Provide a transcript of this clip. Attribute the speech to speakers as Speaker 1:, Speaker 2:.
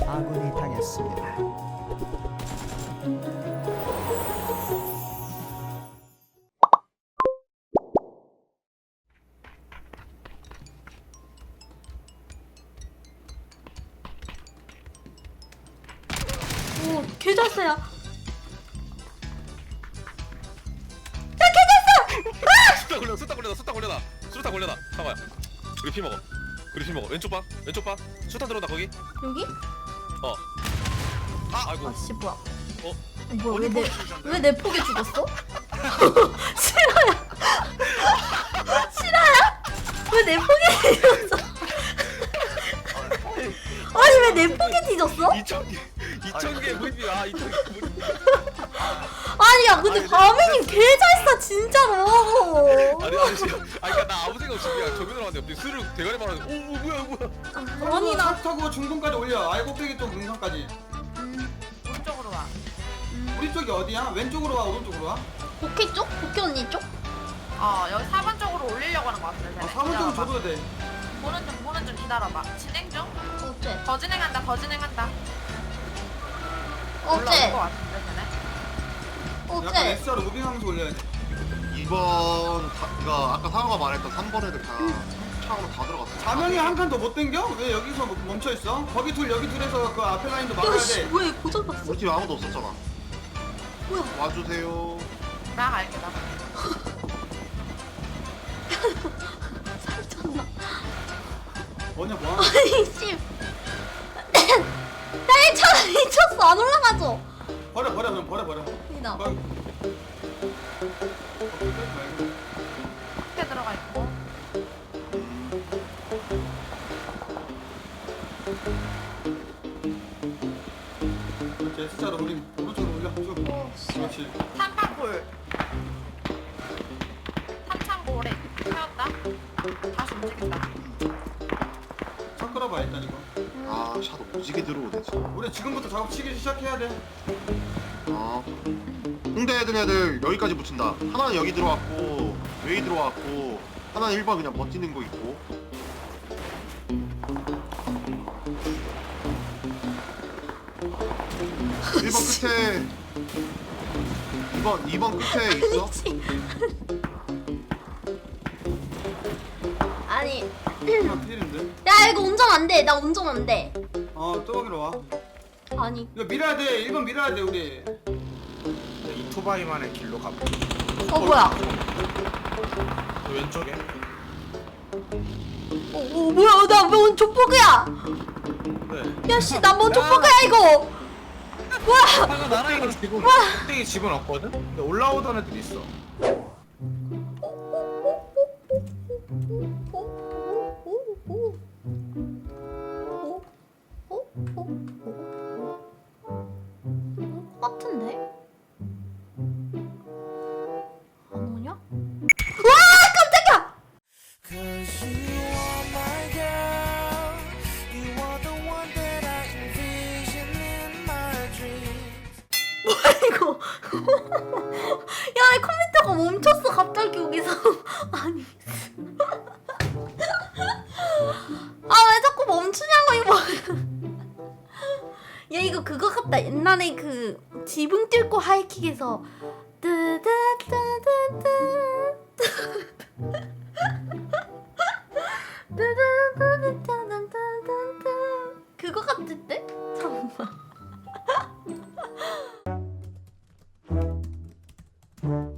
Speaker 1: 아군이 당했습니다.
Speaker 2: 오, 개 잘 쏴요.
Speaker 3: 수탄 걸려라. 잠깐만. 우리 피 먹어. 왼쪽 봐. 수탄 들어온다 거기.
Speaker 2: 여기?
Speaker 3: 아이고.
Speaker 2: 아씨 뭐야?
Speaker 3: 어?
Speaker 2: 뭐야 왜 내 폭에 죽었어? 싫어요. 왜 내 폭에 뒤졌어? 아니 왜 내 폭에 뒤졌어?
Speaker 3: 2,000개 무리야. 2,000개 무리.
Speaker 2: 아니야 근데 바매님 개 잘 쏴 진짜로.
Speaker 3: 아니 그러니까 나 아무 생각 없이 그냥 정면으로 왔는데 스르륵 대가리 말하는. 오 뭐야.
Speaker 2: 아니 나
Speaker 4: 차 타고 중동까지 올려. 알곡배기 쪽 능선까지.
Speaker 5: 오른쪽으로 와.
Speaker 4: 우리 쪽이 어디야? 왼쪽으로 와, 오른쪽으로 와?
Speaker 2: 복희 쪽? 복희 언니 쪽?
Speaker 5: 여기 4번 쪽으로 올리려고 하는 것 같은데.
Speaker 4: 아, 사문 좀 줘도 돼.
Speaker 5: 보는 중 기다려봐. 진행 중?
Speaker 2: 어째?
Speaker 5: 더 진행한다.
Speaker 2: 어째?
Speaker 5: 올라올 것 같은데, 쟤네.
Speaker 4: 약간
Speaker 2: 어째?
Speaker 4: SR 무빙하면서 올려야 돼.
Speaker 6: 2번 그니까 아까 상호가 말했던 3번 애들 다 차로 다 들어갔어.
Speaker 4: 자명이 한 칸 더 못 당겨? 왜 여기서 멈춰 있어? 거기 둘 여기 둘에서 그 앞에 라인도 막아야
Speaker 2: 야씨
Speaker 4: 돼.
Speaker 2: 왜 고장 났어?
Speaker 6: 우리 팀 아무도 없었잖아.
Speaker 2: 뭐야?
Speaker 6: 와주세요.
Speaker 5: 나 갈게, 나.
Speaker 2: 살쪘나?
Speaker 4: 뭐냐 뭐?
Speaker 2: 아니 씨. 야 미쳤어 안 올라가죠?
Speaker 4: 버려 그냥 버려.
Speaker 2: 이나.
Speaker 4: 막-
Speaker 5: 앞에 들어가 있고.
Speaker 4: 그렇지 S자로 우리 오른쪽으로 올려. 쭉.
Speaker 2: 오 씨.
Speaker 4: 그렇지.
Speaker 5: 삼판골. 삼창골에 세웠다. 다시 움직인다.
Speaker 4: 차 끌어봐 일단 이거.
Speaker 6: 아 샤도 무지개 들어오네 진짜.
Speaker 4: 우리 지금부터 작업 치기 시작해야 돼.
Speaker 6: 아 홍대 애들 여기까지 붙인다. 하나는 여기 들어왔고 웨이 들어왔고 하나는 1번 그냥 버티는 거 있고. 일번 끝에 2번 끝에 있어.
Speaker 2: 미치. 아니
Speaker 4: 하나 필인데.
Speaker 2: 야 이거 운전 안 돼. 나 운전 안 돼.
Speaker 4: 뚜벅이로 와.
Speaker 2: 아니.
Speaker 4: 이거 밀어야 돼. 1번 밀어야 돼 우리.
Speaker 7: 이토바이만의 길로 가보.
Speaker 2: 뭐야?
Speaker 7: 왼쪽에.
Speaker 2: 뭐야? 나 왜 족보그야?
Speaker 7: 네.
Speaker 2: 야씨 나 뭔 족보그야 이거? 뭐야?
Speaker 7: 방금 나랑 지금 꼭대기 집은 없거든. 근데 올라오던 애들 있어.
Speaker 2: 같은데? 안 오냐? 와 깜짝이야! 뭐야 이거? 야 이 컴퓨터가 멈췄어 갑자기 여기서. 아니. 아 왜 자꾸 멈추냐고 이거. 야 이거 그거 같다. 옛날에 그 지붕 뚫고 하이킥에서 뜨뜨뜨뜨뜨 그거 같은데? 잠깐만.